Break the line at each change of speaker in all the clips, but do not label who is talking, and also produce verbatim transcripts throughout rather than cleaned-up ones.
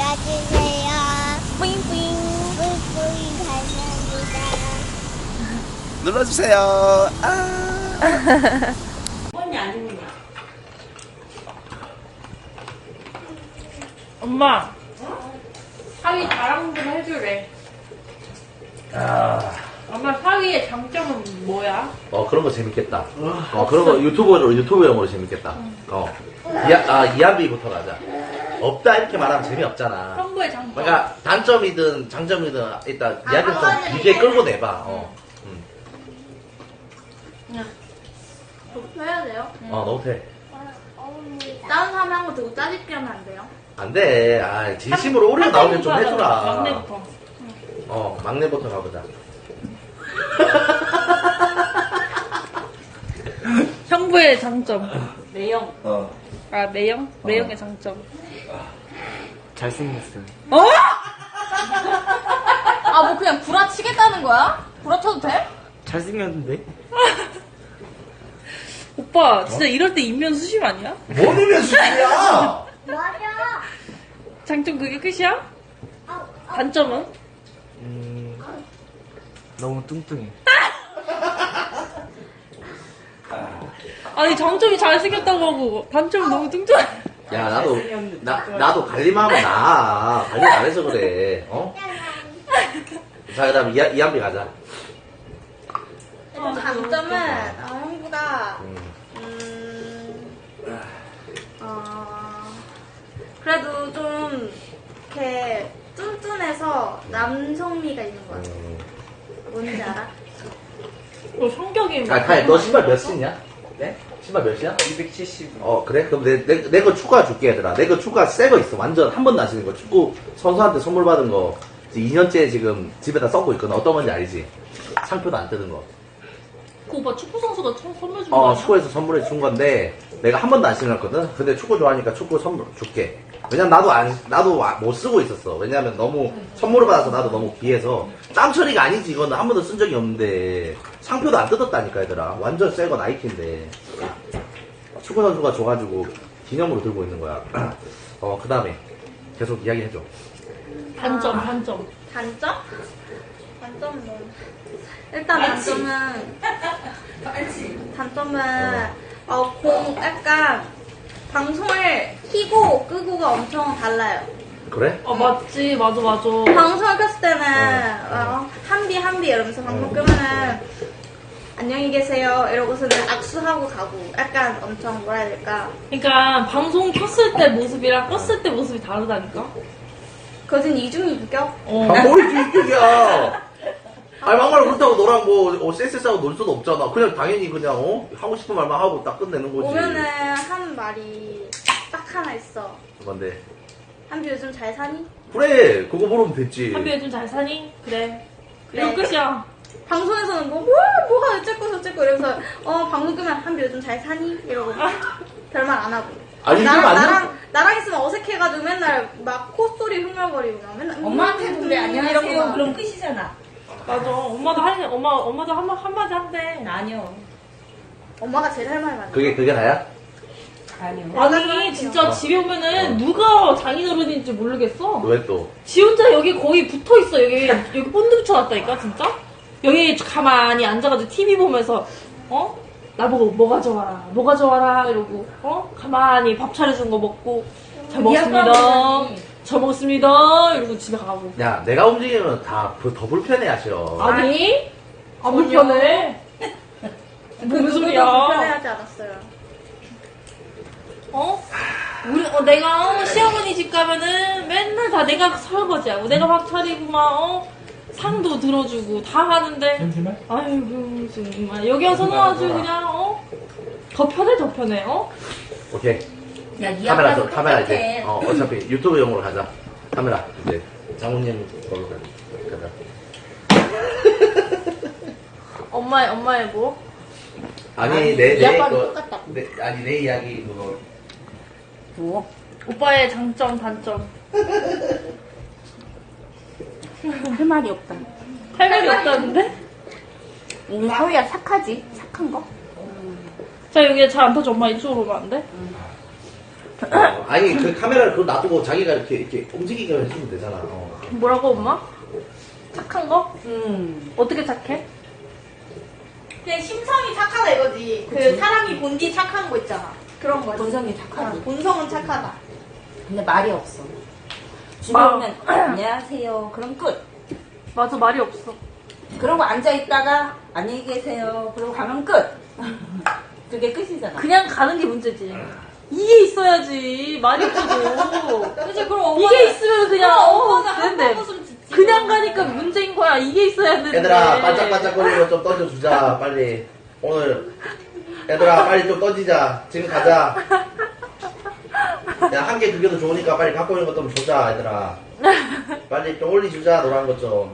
봐주세요.
뿌잉뿌잉.
뿌잉뿌잉 감사합니다.
눌러주세요. 아.
뻔히 아닙니다.
엄마. 사위 자랑 좀 해주래.
아.
엄마 사위의 장점은 뭐야?
어 그런 거 재밌겠다. 어 그런 거 유튜버로 유튜브용으로 재밌겠다. 어 이하 아 이한비부터 가자. 없다 이렇게 말하면 재미없잖아.
형부의 장점.
그러니까 단점이든 장점이든 일단
아,
이야기를
한
좀
가지
길게
해.
끌고 내봐. 어. 음.
그냥 그렇게 해야 돼요?
어 너무 돼.
어머니다.
다른 사람이 한 거 듣고 짜집기 하면 안 돼요?
안 돼. 아 진심으로 오래 나오면 좀
막내부터 하자.
해주라.
막내부터.
어 막내부터 가보자.
형부의 장점.
매형.
어.
아 매형? 매형의 장점.
잘생겼어요.
어? 아 뭐 그냥 구라치겠다는 거야? 구라쳐도 돼?
잘생겼는데?
오빠 진짜 이럴 때 인면 수심 아니야?
뭔이면 수준이야?
맞아.
장점 그게 끝이야?
어,
단점은?
음, 너무 뚱뚱해.
아니 장점이 잘생겼다고 하고 단점이 너무 뚱뚱해.
야 나도 나 나도 관리만 하면 나 관리 안 해서 그래. 어? 자 그다음 이한 이한비 가자.
장점은 아, 형부가
음.
음, 어, 그래도 좀 이렇게 뚠뚠해서 남성미가 있는 것 같아.
음.
뭔지 알아? 어, 성격이
아, 카이, 너 신발 몇 신이야? 네? 신발 몇이야?
이백칠십.
어, 그래? 그럼 내, 내, 내 거 축구화 줄게, 얘들아. 내 거 축구화 새 거 있어. 완전 한 번도 안 신는 거. 축구 선수한테 선물 받은 거. 이제 이 년째 지금 집에다 써고 있거든. 어떤 건지 알지? 상표도 안 뜯은 거.
그 오빠 축구 선수가 총 선물 준
어,
거야?
축구에서 선물해 준 건데, 내가 한 번도 안 신었거든? 근데 축구 좋아하니까 축구 선물 줄게. 왜냐면 나도 안, 나도 와- 못 쓰고 있었어. 왜냐면 너무 선물을 받아서 나도 너무 귀해서. 땀 처리가 아니지, 이거는 한 번도 쓴 적이 없는데. 상표도 안 뜯었다니까, 얘들아. 완전 새거 나이키인데. 축구 선수가 줘가지고 기념으로 들고 있는 거야. 어, 그 다음에 계속 이야기 해줘.
단점 단점.
단점? 단점은 뭐? 일단 단점은 단점은 어, 공 약간 방송을 키고 끄고가 엄청 달라요.
그래?
아 맞지 맞아 맞아.
방송을 켰을 때는
어.
어, 한비 한비 이러면서 방송 끄면은 안녕히 계세요 이러고서는 악수하고 가고 약간 엄청 뭐라 해야 될까
그러니까 방송 켰을 때 모습이랑 껐을 때 모습이 다르다니까.
거진 이중인격?
어.
아, 뭘 이기격이야. 아니, 막말 그렇다고 너랑 뭐, 어, 쎄쎄싸고 놀 수도 없잖아. 그냥 당연히 그냥, 어? 하고 싶은 말만 하고 딱 끝내는 거지.
오면은 한 말이 딱 하나 있어.
뭔데?
한비 요즘 잘 사니?
그래, 그거 물으면 됐지.
한비 요즘 잘 사니? 그래.
그래.
이거 끝이야.
방송에서는 뭐, 뭐, 뭐가 어쨌고 저쨌고 이러면서 어 방송 끄면 한비 요즘 잘 사니? 이러고 별말 안 하고
아니,
나랑,
이러면 안 돼.
나랑, 나랑 있으면 어색해가지고 맨날 막 콧소리 흥얼거리고 막 맨날
엄마한테도 그래,
음, 이러고
안녕하세요.
막.
그럼 끝이잖아.
맞아. 엄마도 할 엄마 엄마도 한 한마디 한대.
아니요.
엄마가 제일 할 말 많아.
그게, 그게 다야?
아니요.
아니 진짜
어.
집에 오면은
어.
누가 장인어른인지 모르겠어.
왜 또?
지 혼자 여기 거의 붙어 있어. 여기 여기 본드 붙여놨다니까 진짜. 여기 가만히 앉아가지고 티비 보면서 어 나보고 뭐 가져와라, 뭐 가져와라 이러고 어 가만히 밥 차려준 거 먹고 잘 먹습니다. 잘 먹습니다. 이러고 집에 가고.
야, 내가 움직이면 다 더 불편해 하셔.
아니 안
전혀.
불편해.
그
무슨
누구도
소리야?
불편해하지 않았어요.
어? 우리, 어, 내가, 어, 시어머니 집 가면은 맨날 다 내가 설거지하고, 내가 밥 차리고, 막, 어, 상도 들어주고, 다 하는데. 아이고, 정말. 여기 와서는 아주 그냥, 어? 더 편해, 더 편해, 어?
오케이.
야, 니
카메라,
아빠도
줘, 카메라
똑같아.
이제. 어, 어차피 유튜브용으로 가자. 카메라, 이제. 장모님 걸로 가자.
엄마의, 엄마의 뭐?
아니,
아니,
내,
이
내,
아빠도
그,
똑같다.
내, 아니, 내 이야기, 그거.
뭐?
오빠의 장점, 단점.
할 말이 없다.
할 말이 없다는데?
우리 사위야 착하지? 착한 거?
자, 여기 잘 안 터져. 엄마 이쪽으로 오면 안 돼?
어, 아니 그 카메라를 그거 놔두고 자기가 이렇게 이렇게 움직이게 해주면 되잖아. 어.
뭐라고 엄마? 착한 거?
음.
어떻게 착해?
그냥 심성이 착하다 이거지. 그 사람이 본디 착한 거 있잖아. 그런 거지.
본성이
아,
착하지.
본성은 착하다.
근데 말이 없어. 집에
말-
오면 안녕하세요. 그럼 끝.
맞아, 말이 없어.
그러고 앉아 있다가 안녕히 계세요. 그러고 가면 끝. 그게 끝이잖아.
그냥 가는 게 문제지. 이게 있어야지. 말이 없어도.
그치, 그럼 엄마는-
이게 있으면 그냥,
그럼
어,
엄마는 한
되는데.
번 웃으면 짓지.
그냥 가니까 문제인 거야. 이게 있어야 되는데.
얘들아 반짝반짝거리는 거 좀 던져주자 빨리. 오늘 얘들아 빨리 좀 던지자. 지금 가자. 야 한 개 두 개도 좋으니까 빨리 갖고 있는 거 좀 주자 얘들아. 빨리 좀 올리주자 노란 거 좀.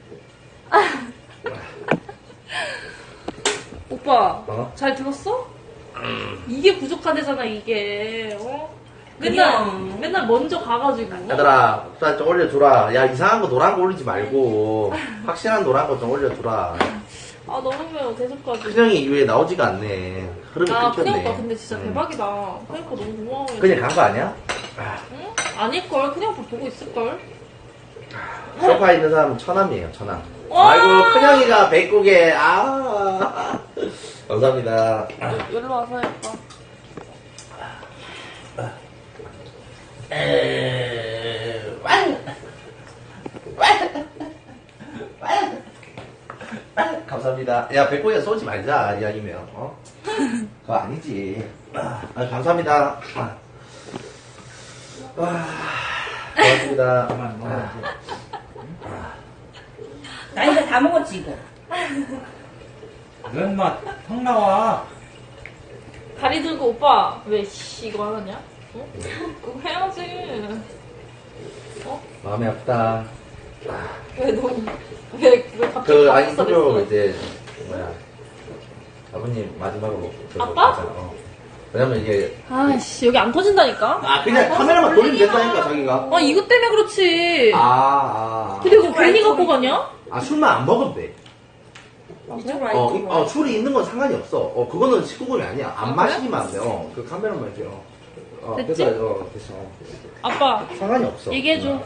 오빠,
어?
잘 들었어? 이게 부족하대잖아, 이게. 어? 맨날,
그냥.
맨날 먼저 가가지고.
얘들아 빨리 좀 올려주라. 야 이상한 거 노란 거 올리지 말고 확실한 노란 거 좀 올려주라.
아, 너무 매워, 계속까지.
큰형이 이후에 나오지가 않네. 흐름이
아,
끊겼네.
큰형 오빠 근데 진짜
음.
대박이다. 큰형 오빠 너무 고마워.
그냥 간 거 아니야?
응? 아닐걸? 큰형 오빠 보고 있을걸?
소파에 있는 사람은 처남이에요, 처남.
와!
아이고, 큰형이가 백국에, 아. 감사합니다.
여기로 와서 해봐.
에, 완! 완! 완! 완! 감사합니다. 야, 백국에 쏘지 말자, 이야기면, 어? 그거 아니지. 아, 감사합니다. 아. 와, 고맙습니다.
그만 먹어야지.
나 이제 다 먹었지 이거.
넌 막, 턱 나와.
다리 들고 오빠 왜 씨 이거 하냐? 어? 그거 해야지. 어?
마음이 아프다.
왜 너무 왜왜 갑자기
그, 아니,
밥솥
그리고
했어?
이제, 뭐야. 아버님 마지막으로. 저거
아빠?
있잖아, 어. 왜냐면 이게,
아씨 여기 안 터진다니까?
아, 그냥 카메라만 돌리면 된다니까, 자기가.
아 이것 때문에 그렇지.
아, 아.
근데 그거 괜히 갖고 가냐?
아, 술만 안 먹으면 돼.
이쪽으로 와
어, 이-
이쪽으로.
어, 술이 있는 건 상관이 없어. 어, 그거는 십구 금이 아니야. 안
아,
마시기만 하면 돼. 어, 그 카메라만 이렇게, 어. 어,
됐지?
그래서, 어, 됐어. 어.
아빠
상관이 없어.
얘기해줘.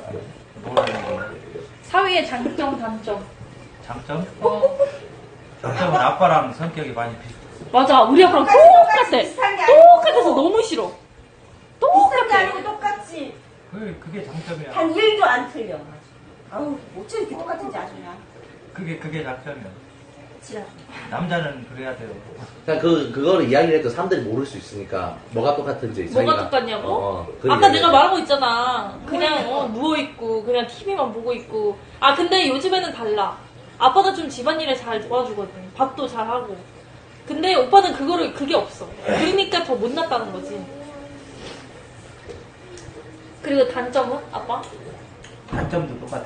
사위의 장점 단점.
장점?
어
장점은 아빠랑 성격이 많이 비슷해.
맞아 우리 아빠랑
똑같이,
똑같아.
비슷한 게 아니고.
똑같아서 너무 싫어.
비슷한 게
똑같아.
아니고 똑같이.
그게, 그게 장점이야.
한 일도 안 틀려. 아우 어째 이렇게 똑같은지 아주 그냥.
그게, 그게 장점이야.
지랄.
남자는 그래야 돼요.
그냥 그, 그거를 이야기를 해도 사람들이 모를 수 있으니까, 뭐가 똑같은지.
뭐가
자기가-
똑같냐고?
어, 어, 그
아까
이야기를
내가
해.
말한 거 있잖아. 그냥 어, 누워있고 그냥 티비만 보고 있고. 아 근데 요즘에는 달라. 아빠가 좀 집안일에 잘 도와주거든. 밥도 잘하고. 근데 오빠는 그거를 그게 없어. 그러니까 더 못났다는 거지. 그리고 단점은 아빠?
단점도 똑같아.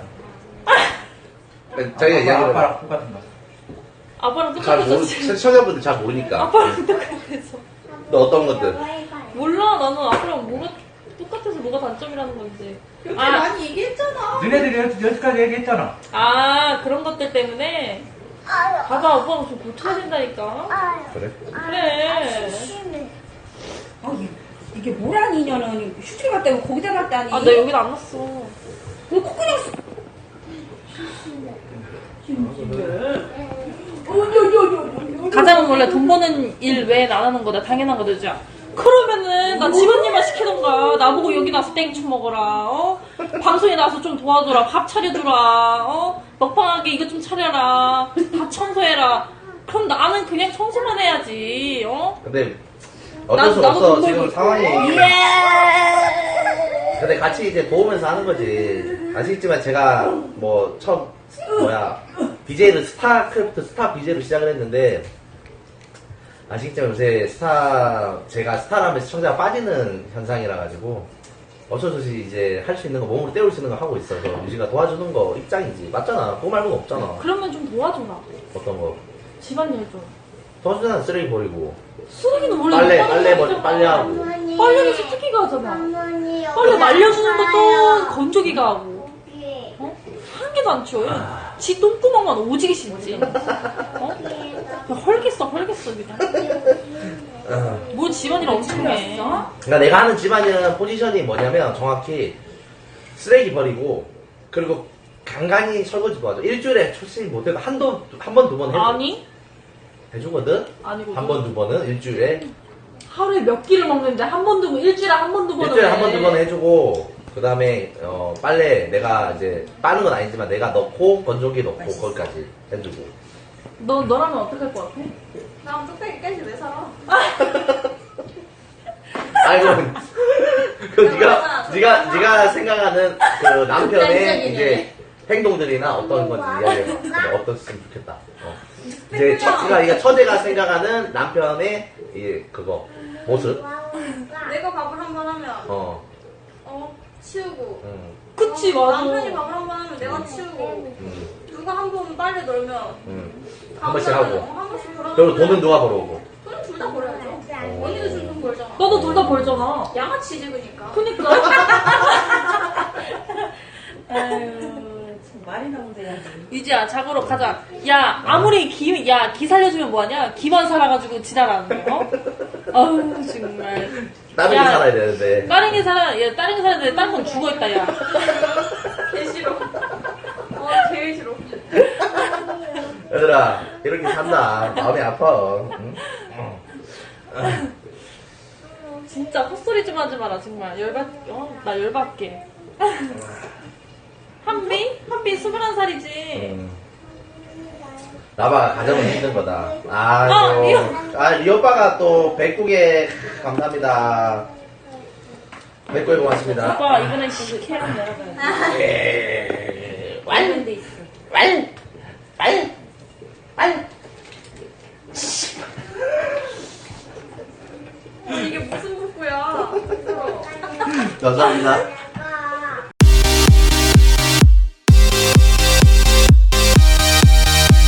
자기가 이야기를.
아빠랑 똑같은 거.
아빠랑
잘 모르,
똑같았지.
시청자분들 잘 모르니까.
아빠랑 똑같아서.
너 어떤 것들?
몰라 나는 아빠랑 뭐가 똑같아서 뭐가 단점이라는 건지.
그렇게
아,
많이 얘기했잖아.
너네들이 여, 여기까지 얘기했잖아.
아 그런 것들 때문에. 봐봐 오빠가 좀 고쳐야 된다니까.
아유,
그래?
그래.
심해.
아 이게, 이게 뭐란 인연은 슈트를 갔다 오고 거기다 놨다니.
아 나 여긴 안 났어.
왜 콧구녕 쓰...
가장은 원래 돈 버는 일 외엔 안 하는 거다. 당연한 거죠. 그러면은 나 집안일만 시키던가. 나보고 여기 나서 땡초 먹어라. 어? 방송에 나와서 좀 도와줘라. 밥 차려주라. 어? 먹방하게 이거 좀 차려라. 다 청소해라. 그럼 나는 그냥 청소만 해야지. 어?
근데, 어쩔 수
나- 나도
없어.
돈
지금
벌고
상황이.
있고.
근데 같이 이제 도우면서 하는 거지. 아시겠지만 제가 뭐 처음 뭐야 비제이를 스타크래프트 스타 비제이로 시작을 했는데 아시겠지만 요새 스타 제가 스타라면 시청자가 빠지는 현상이라 가지고 어쩔 수 없이 이제 할 수 있는 거 몸으로 때울 수 있는 거 하고 있어서 유지가 도와주는 거 입장이지. 맞잖아. 그거 말고는 없잖아.
그러면 좀 도와줘라.
어떤 거
집안일 좀.
도와주잖아. 쓰레기 버리고
쓰레기는 원래
빨래
오빠가
빨래
해야
버리 빨래하고
어머니.
빨래는 세탁기가 하잖아.
어머니.
빨래 말려주는 것도
없어요.
건조기가 하고.
여기.
어? 한 개도 안 치워요. 지 똥구멍만 오지게 씹지. 어? 그냥 헐겠어, 헐겠어, 그냥. 뭐 집안일 엄청 해.
그러니까 내가 하는 집안일은 포지션이 뭐냐면 정확히 쓰레기 버리고 그리고 간간히 설거지 도와줘. 일주일에 솔직히 못해도 한두 한 번 두 번 해줘.
아니?
해주거든.
아니고.
한 번 두 번은 일주일에
하루에 몇 끼를 먹는데 한 번, 두 번, 일주일에 한 번, 두 번은.
일주일에 한 번 두 번 해주고 그 다음에 어, 빨래 내가 이제 빠는 건 아니지만 내가 넣고 건조기 넣고 거기까지 해주고.
너, 너라면 어떡할 것 같아?
나 뚝배기까지 왜 살아?
아이고 그 네가 네가 네가 생각하는 그 남편의
극단적이네.
이제 행동들이나 어떤 건지 이야기해봐. 어떻으면 좋겠다. 어. 이제 처제가 이게 처제가 생각하는 남편의 이 그거 모습.
내가 밥을 한 번 하면
어.
어 치우고
음,
그치,
어,
맞아.
남편이 밥을 한 번 하면 내가 치우고
음,
누가 한 번 빨래 널면
음. 한 번씩 하고.
한 번씩 벌어
그리고 돈은 누가 벌어오고.
돈은 둘 다 벌어야죠. 언니도 준 돈 벌잖아.
너도 둘 다 벌잖아.
양아치 지으니까.
그니까.
아유, 참 말이 나오네.
유지야, 자고로 가자. 야, 아무리 기, 야, 기 살려주면 뭐하냐? 기만 살아가지고 지랄하는 거. 어? 아우, 정말.
다른 게
야,
살아야 되는데.
다른 게 살아, 야, 다른 게 살았는데 다른 건 죽어있다, 야.
개 싫어. 어, 제일 싫어.
얘들아 이렇게 산다. 마음이 아파. 응?
진짜 헛소리 좀 하지 마라, 정말. 열받, 어? 나 열받게. 한비? 한비 스물한 살이지.
음. 나봐 가정은 힘든 거다. 아,
아,
또,
리오.
아, 리 오빠가 또 백국에 감사합니다. 백국에 고맙습니다.
오빠, 이번엔 시케랑 내려가야
예.
완데 있어.
왈, 왈, 왈.
이게 무슨 복구야?
감사합니다.